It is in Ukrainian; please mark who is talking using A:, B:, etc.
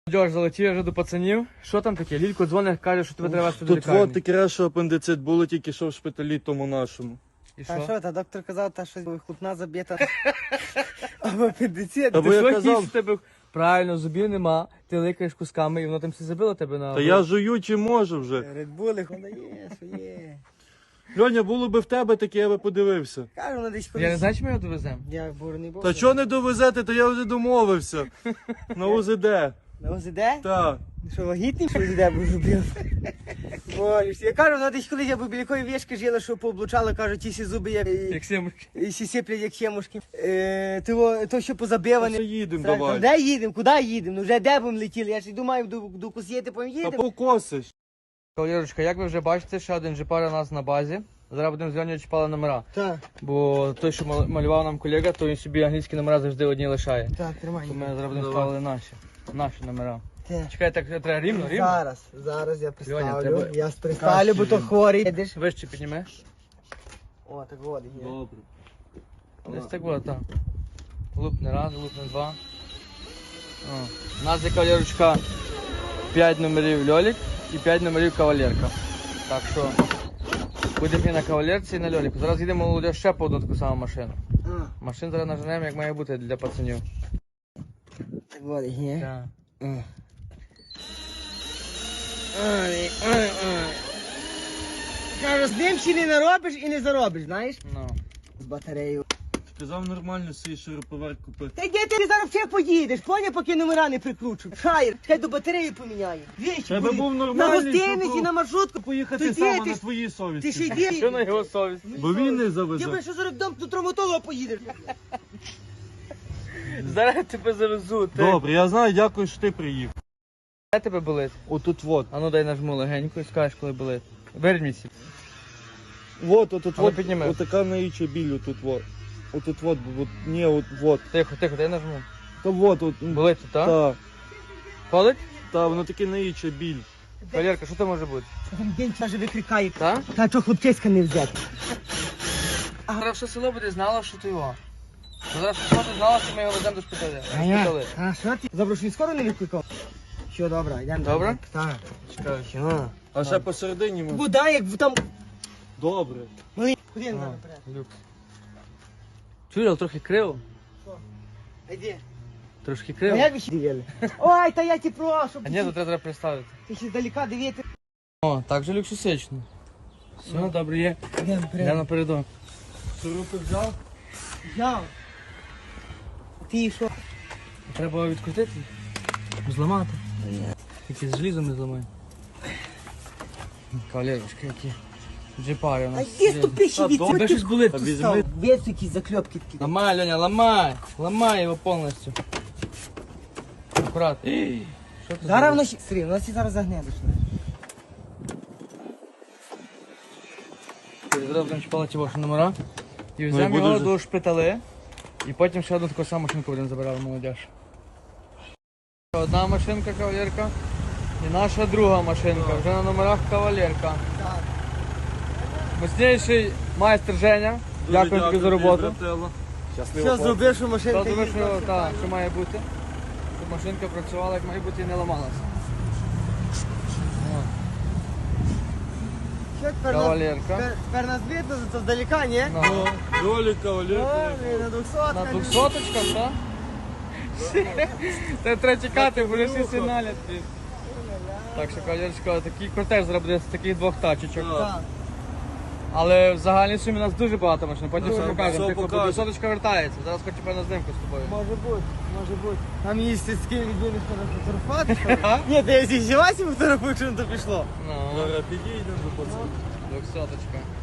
A: Дьош, залетів вже до пацанів. Що там таке? Лілько дзвонить, каже, що тебе треба вести до
B: Тут
A: лікарні.
B: от таке, що апендицит було тільки що в шпиталі тому нашому.
A: І
C: Та
A: що?
C: що, та доктор казав, та що хлопна забита. Або апендицит.
B: Та
A: Ти
B: бо я
A: що
B: казав-
A: якийсь в тебе? Правильно, зубів нема, ти ликаєш кусками і воно там все забило тебе на...
B: Та я жую чи можу вже.
C: Редбули, вона є, що є.
B: Льоня, було би в тебе таке, я би подивився.
C: Кажу, вона десь
A: Я не знаю, чи ми його довеземо.
C: Я бурний був.
B: Та чого не довезете, то я вже домовився. На УЗД.
C: На ОЗД?
B: Так.
C: Що, вагітний, що ОЗД був зубив? Боже, я кажу, вона десь колись я був біля якої вішки жила, що пооблучала, кажу, ті всі зуби як...
A: Як сімушки.
C: І всі сиплять, як сімушки. То, що позабиване.
B: Все їдемо,
C: Та
B: давай.
C: Де їдемо? Куди їдемо? Ну вже де будемо летіли? Я ж йду маю до Кусєти, потім
B: Та
C: їдемо.
B: покосиш.
A: Кавалерочка, як ви вже бачите, ще один джипар у нас на базі. Зараз будемо з Льонею чіпали номера.
C: Так,
A: Бо той, що малював нам колега, то він собі англійські номера завжди одні лишає.
C: так, тримай.
A: То ми зараз будемо ставили наші номера.
C: Те.
A: Чекай, так треба рівно.
C: Зараз я
A: Льоня,
C: приставлю.
A: тебе
C: Я приставлю, бо то хворий. Видиш?
A: Вище піднімеш.
C: О, так води є.
B: Добре.
A: Десь так було, так. Лупне раз, лупне два. О. У нас є кавалерочка 5 номерів Льолік і 5 номерів кавалерка. Так що будемо і на кавалерці, і на Льоліку. Зараз їдемо молодь ще по одну таку саму машину. Машин зараз наженемо, як має бути для пацанів.
C: Так води є.
A: Так.
C: Кажу, з ним ще не наробиш і не заробиш, знаєш?
A: Ну.
C: З батареєю.
B: Сказав нормально свій шуруповерт купити.
C: Та йди ти зараз все поїдеш, поня, поки номера не прикручу. Шаєр, хай до батареї поміняю. Вічі,
B: Тебе був
C: на
B: нормальний,
C: гостиниці,
B: щоб
C: на маршрутку.
B: поїхати
C: Тоді
B: саме
C: ти
B: на
C: ж-
B: твоїй
C: Ти ще
B: совісті.
C: йди.
A: Що на його совість?
B: Бо він не
C: Я
B: завезе.
C: би що зараз до травматолога поїдеш.
A: Зараз я тебе завезу. Ти.
B: Добре, я знаю, дякую, що ти приїхав.
A: Де тебе болить?
B: Отут вот.
A: А ну дай нажму легенько і скажеш, коли болить. Верніться.
B: Вот, отут
A: Але
B: вот.
A: підніми.
B: Отака наїча біль, отут вот. Отут вот, ні, от вот.
A: Тихо, тихо, дай нажму.
B: Та вот, от.
A: Болить тут, так?
B: Та,
A: Болить?
B: та, воно таке наїча біль.
A: Валерка, що це може бути?
C: День каже, викрикає.
A: Так?
C: Та що хлопчиська не взяти.
A: Зараз все село буде знало, що ти його. Зараз все ти знала, що ми його веземо до шпиталя. Шпитали.
C: А що ти? Заброшені скоро не викликав? Що, добре, йдемо.
A: Добре?
C: Так.
A: Чекай.
C: Що?
B: А ще посередині може.
C: Вода, як там...
B: Добре.
C: Малий, куди я зараз наперед?
A: Люкс. Чуєш, але трохи криво.
C: Йди.
A: Трошки
C: А
A: криво.
C: як ви ще дивили? Ой, та я ті прошу.
A: А ні, то треба представити.
C: Ти ще здалека дивити.
A: О, так же люксусично. Все, добре є.
C: Йдемо
A: Я напередок.
B: Шурупи взяв?
C: Взяв. Ти що?
A: Треба відкрутити. Зламати. Тільки з желізом не зламай. Кавалерочки, які джипари у
C: А
A: нас.
C: йди ступи ще від
A: Тебе щось болить.
B: Та візьми.
C: Весь якісь закльопки такі.
A: Ломай, Леня, ломай! Ломай его полностью. Аккуратно. Що ти
C: Зараз
A: зробив?
C: воно ще... Срі, воно всі зараз загнедеш.
A: Зараз будемо чіпати ваші номера. І
B: Ну, і
A: візьмемо
B: буде
A: його
B: вже.
A: до шпитали. І потім ще одну таку саму машинку будемо забирати молодіж. Одна машинка кавалерка. І наша друга машинка. Вже на номерах кавалерка.
C: Так.
A: Мощніший майстер Женя. Дякую тобі за роботу.
C: Що зробив, що машинка
A: Що думаєш,
C: їздила?
A: що, що має бути? Щоб машинка працювала як має бути і не ламалася. О,
C: Що тепер нас...
A: Кавалерка.
C: Тепер нас видно, то здалека, ні?
A: Ну,
B: Ролика,
C: Ой, на 200.
A: на 200-очках, так? Це треба чекати, бо всі сигналять. Так що, кавалерочка, такий кортеж зараз буде з таких двох тачечок.
C: Так.
A: Але в загальній сумі у нас дуже багато машин, потім все
B: Все
A: покажемо. Тихо, бо
B: покажемо.
A: 200-очка вертається. Зараз хочу певно знімку з тобою.
C: Може бути, може бути. Там є сільські людини, що нас фотографувати. Ні, ти якщо зівасі фотографуєш, що то пішло.
A: Ну,
B: Зараз підійдемо до пацанів.
A: 200-очка.